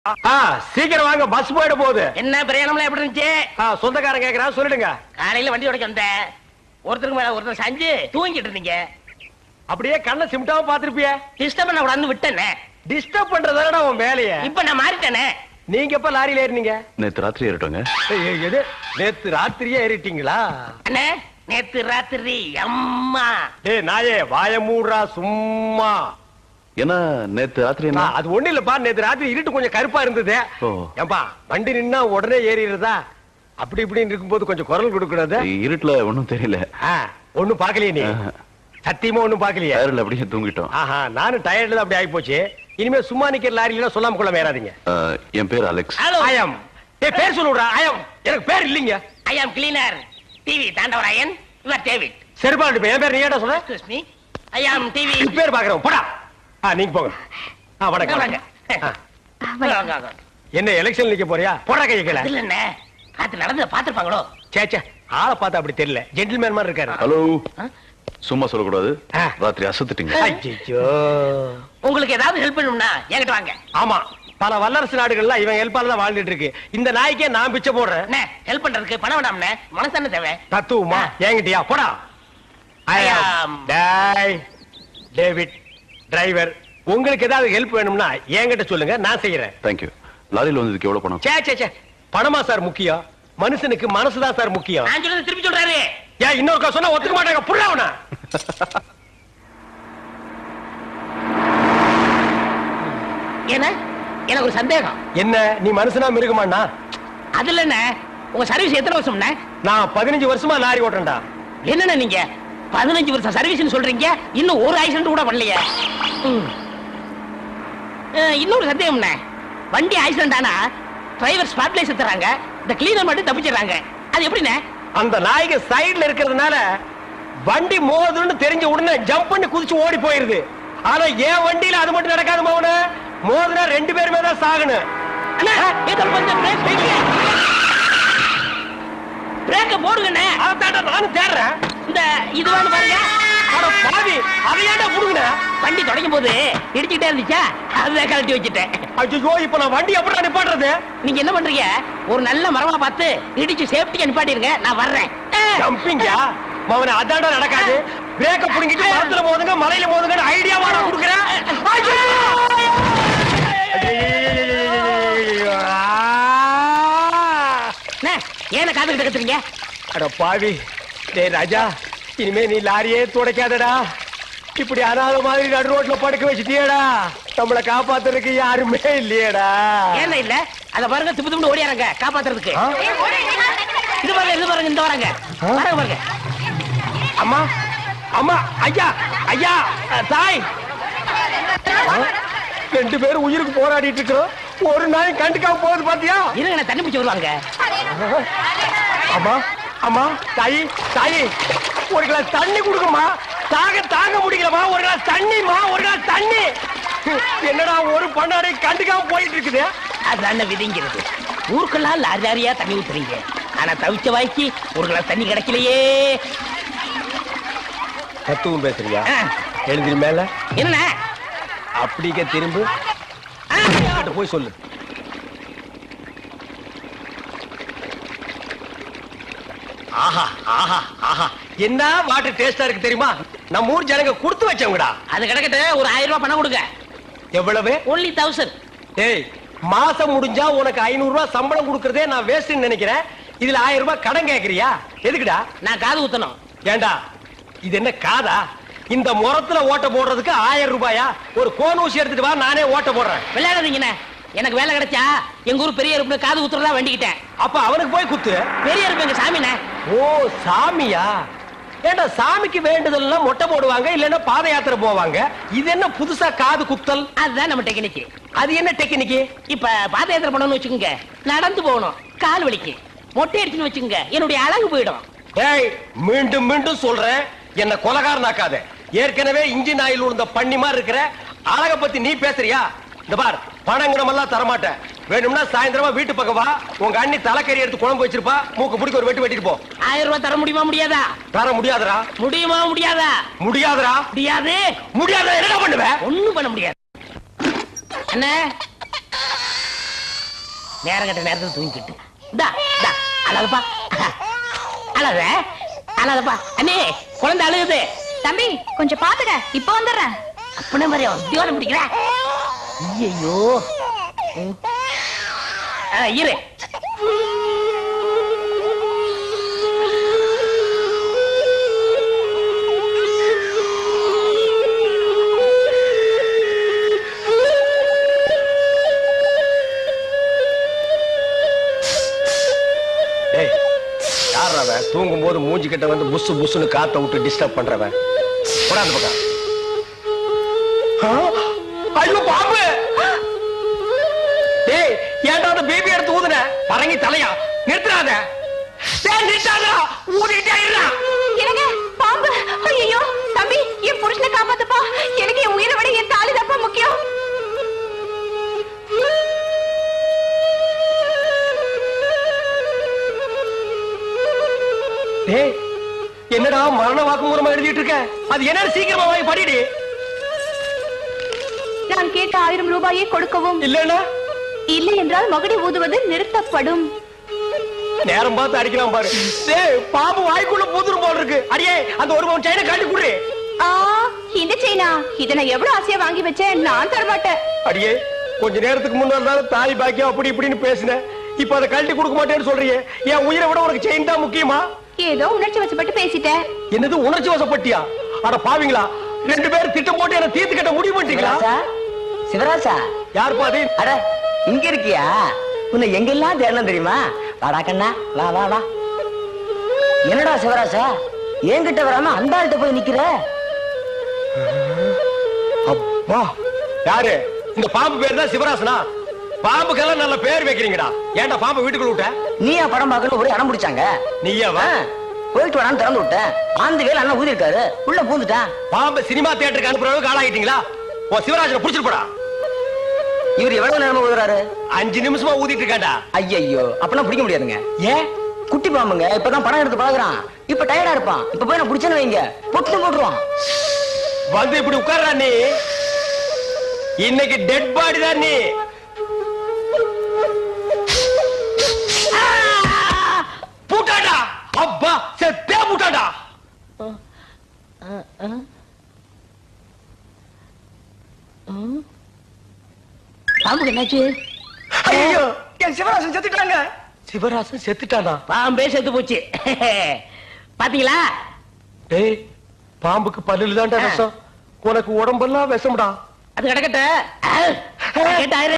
சீக்கிரம் வாங்க, பஸ் போயிட போகுது. என்ன பிரயாணம்லாம் எப்படி இருந்துச்சு? சொந்தக்காரன் கேக்குறான், சொல்லிடுங்க. காலையில வண்டி உடைக்க வந்தேன். ஒருத்தருக்கு மேல ஒருத்தர் சாஞ்சு தூங்கிட்டு இருந்தீங்க. அப்படியே கண்ணை சிமிட்டாம பாத்துருப்பிய. டிஸ்டர்ப் பண்ண கூடாதுன்னு விட்டேனே. டிஸ்டர்ப் பண்றதானடா உன் வேலைய. இப்ப நான் மாறிட்டேனே. நீங்க எப்ப லாரியில ஏறினீங்க? நேத்து ராத்திரி ஏறிட்டோங்க. எது நேத்து ராத்திரியே ஏறிட்டீங்களா? அண்ணே நேத்து ராத்திரி அம்மா. டேய் நாயே வாய மூடுறா சும்மா. என்ன நேத்து ராத்திரி என்ன? அது ஒண்ணு இல்லப்பா, நேத்து ராத்திரி இருட்டு கொஞ்சம் கருப்பா இருந்தது. ஏம்பா வண்டி நின்னா உடனே ஏறிடுறதா? அப்படி இப்படின்னு இருக்கும்போது கொஞ்சம் குரல் கொடுக்கக்கூடாது? இருட்டுல ஒண்ணும் தெரியல. ஒண்ணும் பாக்கலையே நீ? சத்தியமா ஒண்ணும் பாக்கலையே? டயர்ல அப்படியே தூங்கிட்டோம். நானும் டயர்ட்ல தான் அப்படி ஆகி போச்சு. இனிமே சும்மா நிக்கிற லாரியில சொல்லாம கொள்ள மேறாதீங்க. என் பேர் அலெக்ஸ். ஐயம் பேர் சொல்லுடா. ஐயம் எனக்கு பேர் இல்லீங்க. I am cleaner TV Thandavarayan. Your David. சரிப்பா, என் பேர் நீ ஏடா சொன்ன? Excuse me, I am TV. பேர் பாக்குறோம் போடா. நீங்க போங்க. வணக்கம். என்ன எலெக்ஷன் நிக்க போறியா? போடா கைய கீழ. இல்ல என்ன ராத்திரி நடந்து பாத்துப்பாங்களோ? சேச்சே, ஆளை பார்த்தா அப்படி தெரியல, ஜென்டில்மேன் மாதிரி இருக்காரு. ஹலோ, சும்மா சொல்லக்கூடாது. ராத்திரி அசத்துட்டீங்க. ஐயோ, உங்களுக்கு ஏதாவது ஹெல்ப் பண்ணணும்னா என்கிட்ட வாங்க. ஆமா, பல வல்லரசு நாடுகள்ல இவன் ஹெல்ப்பால தான் வாழ்ந்துட்டு இருக்கு. இந்த நாய்க்கே நான் பிச்சை போடுறேன். ஹெல்ப் பண்றதுக்கு பணம் வேண்டாம்னே, மனசான தேவை. தத்துவமா என்கிட்டயா? போடா. டேவிட் டிரைவர், உங்களுக்கு ஏதாவது ஹெல்ப் வேணும்னா என்கிட்ட சொல்லுங்க, நான் செய்யறேன். தேங்க்யூ. லாரியில வந்ததுக்கு எவ்வளவு பணம்? சே பணமா சார் முக்கியம்? மனுஷனுக்கு மனசுதான் சார் முக்கியம். நான் சொல்றது திருப்பி சொல்றாரு. ஏன் இன்னொருக்கா சொன்னா ஒத்துக்க மாட்டாங்க, புரியவனா? என்ன எனக்கு ஒரு சந்தேகம். என்ன நீ மனுஷனா மிருகமாண்ணா? அதுல என்ன உங்க சர்வீஸ் எத்தனை வருஷம்? நான் 15 வருஷமா லாரி ஓட்டுறேன்டா. என்னன்னா நீங்க 15 வருஷம் சர்வீஸ் சொல்றீங்க, இன்னும் ஒரு ஆக்சிடென்ட் கூட பண்ணலையே. இன்னொரு சந்தேகம், வண்டி ஆக்சிடென்ட் ஆனா டிரைவர் ஸ்பாட்ல செத்துறாங்க, இந்த கிளீனர் மட்டும் தப்பிச்சிடறாங்க. அது எப்படிண்ணே? அந்த நாய்க்கு சைடுல இருக்கிறதுனால வண்டி மோதுன்னு தெரிஞ்ச உடனே ஜம்ப் பண்ணி குதிச்சு ஓடி போயிருது. ஆனா என் வண்டியில அது மட்டும் நடக்காது மௌன. மோதுனா 2 பேருமே தான் சாகணும். பிரேக்க போடுங்கண்ணே. அதான் நானும் தேடுறேன். இந்த இது வேணும் பாருங்க. பாவி, அதையாண்டா புடுங்க. வண்டி தொடங்கும் போது இடிச்சுட்டே இருந்துச்சா, அதை கழட்டி வச்சுட்டேன். ஐயோ, இப்ப நான் வண்டி எப்படி நிப்பாட்டுறது? நீங்க என்ன பண்றீங்க, ஒரு நல்ல மரமா பார்த்து இடிச்சு சேஃப்டியா நிப்பாட்டிருங்க, நான் வர்றேன். ஜம்பிங்கா மவன? அதாண்டா நடக்காது. பிரேக்க புடுங்கிட்டு மரத்துல மோதுங்க, மலையில மோதுங்க ஐடியாவா நான் கொடுக்குறேன். ஏன காத்துக்கிட்டு கத்துறீங்க? அட பாவி, டேய் ராஜா, இனிமே நீ லாரியே துடைக்காதடா. இப்படி அனாத மாதிரி நடு ரோட்ல படுக்க வச்சுட்டியடா. நம்மளை காப்பாத்துறதுக்கு யாருமே இல்லையடா. ஏன் இல்ல? அத பாருங்க, திப்பு திப்பு ஓடியாரங்க காப்பாத்துறதுக்கு. இது பாருங்க, இது பாருங்க, இந்த வராங்க பாருங்க பாருங்க. அம்மா அம்மா, ஐயா ஐயா, தாய், 2 பேரும் உயிருக்கு போராடிட்டு இருக்கிறோம். ஒரு நாய் கண்டுக்காம போகுது பாத்தியா? இருங்க, தண்ணி பிடிச்சி வருவாங்க. அம்மா அம்மா, தாயி தாயி, ஒரு கிளாஸ் தண்ணி கொடுக்குமா? தாங்க முடியலமா, ஒரு கிளாஸ் தண்ணிமா, ஒரு கிளாஸ் தண்ணி. என்னடா ஒரு பண்ணாடை கண்டுக்காம போயிட்டு இருக்குது? அதுதான் விதிங்கிறது. ஊருக்கெல்லாம் லாரி லாரியா தண்ணி ஊத்துறீங்க, ஆனா தவிச்ச வாய்க்கு ஒரு கிளாஸ் தண்ணி கிடைக்கலையே. தத்துவம் பேசுறியா? எழுந்திரி மேல. என்ன அப்படிக்க திரும்ப போய் சொல்லு. ஆஹா ஆஹா ஆஹா, என்ன வாட்டர் டேஸ்டா இருக்கு தெரியுமா? நம்ம ஊர் ஜனங்க கொடுத்து வச்சவங்கடா. அது கிடக்கட்டு, ஒரு 1000 ரூபாய் பணம் கொடுங்க. எவ்வளவு? only 1000. ஏய், மாசம் முடிஞ்சா உனக்கு 500 ரூபாய் சம்பளம் கொடுக்கறதே நான் வேஸ்ட்னு நினைக்கிறேன். இதுல 1000 ரூபாய் கடன் கேக்குறியா? எதுக்குடா? நான் காது ஊத்தணும். ஏண்டா இது என்ன காதா? இந்த முறத்துல ஓட்ட போடுறதுக்கு 1000 ரூபாயா? ஒரு கோன் ஊசி எடுத்துட்டு வா, நானே ஓட்ட போடுறேன். விளையாடுறீங்கண்ணே. எனக்கு வேலை கிடைச்சா எங்க ஊர் பெரிய இருப்பு காது ஊத்துறதா வேண்டிக்கிட்டேன். அப்ப அவனுக்கு போய் குத்து. பெரிய இருப்பு எங்க சாமிண்ணே. ஓ சாமியா? ஏண்டா சாமிக்கு வேண்டுதல்னா மொட்டை போடுவாங்க, இல்லன்னா பாத யாத்திரை போவாங்க. இது என்ன புதுசா காது குத்தல்? அதுதான் நம்ம டெக்னிக். அது என்ன டெக்னிக்? இப்ப பாத யாத்திரை பண்ணணும்னு வச்சுக்கோங்க, நடந்து போகணும், கால் வலிக்கு. மொட்டை அடிச்சுன்னு வச்சுக்கோங்க, என்னுடைய அழகு போயிடும். ஏய், மீண்டும் மீண்டும் சொல்றேன், என்ன கொலகாரனாக்காத. ஏற்கனவே இன்ஜின் ஆயில் உள்ள பண்ணி மாதிரி இருக்கிற அழக பத்தி நீ பேசுறியா? இந்த பார், பணங்கடமெல்லாம் தரமாட்டேன். வேணும்னா சாயந்தரமா வீட்டு பக்கம் வா, உங்க அண்ணி தலைக்கறி எடுத்து குழம்பு வச்சிருப்பா, மூக்கு பிடிக்க ஒரு வெட்டு வெட்டிட்டு போ. 1000 ரூபாய் தர முடியுமா முடியாதா? தர முடியாதுடா. முடியுமா முடியாதா? முடியாதுடா. முடியாது. முடியாத என்ன பண்ணுவ? ஒண்ணும் பண்ண முடியாது. என்ன நேரம் கட்ட நேரத்துல தூங்கிக்கிட்டு இந்தா இந்தா அழகப்பா அழக அழகப்பா அண்ணே குழந்தை அழுகுது. தம்பி கொஞ்சம் பாத்துக்க, இப்ப வந்துடுறேன். அப்பன மாதிரி உத்தியோகம் பிடிக்கிற. ஐயோ இரு. தூங்கும் போது மூஞ்சி கிட்ட வந்து புசு புசுன்னு காத்த விட்டு டிஸ்டர்ப் பண்றவன். அந்த பக்கம். ஐயோ பாம்பு! டேய் ஏன்டா அந்த பேபி எடுத்து ஊதுன? பரங்கி தலையா? நிறுத்துறாத. டேய் நிறுத்தாதடா. ஊதிட்டே இருடா. என்னங்க பாம்பு? ஐயோ தம்பி, என் புருஷனை காப்பாத்துப்பா. எனக்கு என் உயிரை விட என் தாலி தப்பா முக்கியம். டேய் என்னடா மரண வாக்குமூலமா எழுதிட்டு இருக்க? அது என்ன சீக்கிரமா வாங்கி படிடி. நான் கேட்ட 1000 ரூபாயை கொடுக்கவும். இல்லன்னா இல்லை என்றால் மகுடி ஊதுவது நிறுத்தப்படும். நேரம் பார்த்து அடிக்கலாம் பாரு. டேய் பாம்பு வாய்க்குள்ள பூதுரும் போல இருக்கு. அடியே அந்த ஒரு பவுன் செயினை காட்டி குடு. இந்த செயினா? இத நான் எவ்வளவு ஆசையா வாங்கி வச்சேன். நான் தர மாட்டேன். அடியே கொஞ்ச நேரத்துக்கு முன்னாடி தாய் பாக்கியம் அப்படி இப்படின்னு பேசினேன். இப்ப அதை கழட்டி கொடுக்க மாட்டேன்னு சொல்றியே. என் உயிரை விட உனக்கு செயின் தான் முக்கியமா? ஏதோ உணர்ச்சி வசப்பட்டு பேசிட்டேன். என்னது உணர்ச்சி வசப்பட்டியா? அட பாவீங்களா, 2 பேரும் திட்டம் போட்டு என்ன தீர்த்து கட்ட முடிவு பண்ணிட்டீங்களா? சிவராசா, யார் பாதி? அட இங்க இருக்கியா? உன்னை எங்கெல்லாம் தேடணும் தெரியுமா? வாடா கண்ணா, வா வா வா. என்னடா சிவராசா, என்கிட்ட வராம அந்த ஆள்கிட்ட போய் நிக்கிற? அப்பா யாரு? இந்த பாம்பு பேர் தான் சிவராசனா? பாம்புக்கெல்லாம் நல்ல பேர் வைக்கிறீங்கடா. ஏன்டா பாம்பு வீட்டுக்குள்ள விட்ட? நீயா படம் பார்க்கணும் ஒரு இடம் பிடிச்சாங்க. நீயாவா? போயிட்டு வரான்னு திறந்து விட்டேன். ஆந்து வேலை அண்ணா ஊதி இருக்காரு, உள்ள பூந்துட்டான். பாம்பு சினிமா தியேட்டருக்கு அனுப்புற அளவுக்கு ஆளாகிட்டீங்களா? ஓ சிவராஜனை புடிச்சிட்டு போடா. இவர் எவ்வளவு நேரமா ஊதுறாரு? 5 நிமிஷமா ஊதிட்டு இருக்காண்டா. ஐயோ அப்பெல்லாம் பிடிக்க முடியாதுங்க. ஏன்? குட்டி பாம்புங்க, இப்பதான் படம் எடுத்து பழகுறான். இப்ப டயர்டா இருப்பான். இப்ப போய் நான் பிடிச்சேன்னு வைங்க, பொட்டு போட்டுருவான். வந்து இப்படி உட்கார்றா நீ. இன்னைக்கு டெட் பாடி தான் நீ. பூட்டாடா. அப்பா செத்தே பூட்டாடா. பாம்புக்கு என்னாச்சு? ஐயோ என் சிவராசன் செத்துட்டாங்க. சிவராசன் செத்துட்டானா? பாம்பே செத்து போச்சு. பாத்தீங்களா? டேய் பாம்புக்கு பல்லுல தான்டா விஷம். உனக்கு உடம்பெல்லாம் விஷம்டா. அது கிடக்கட்ட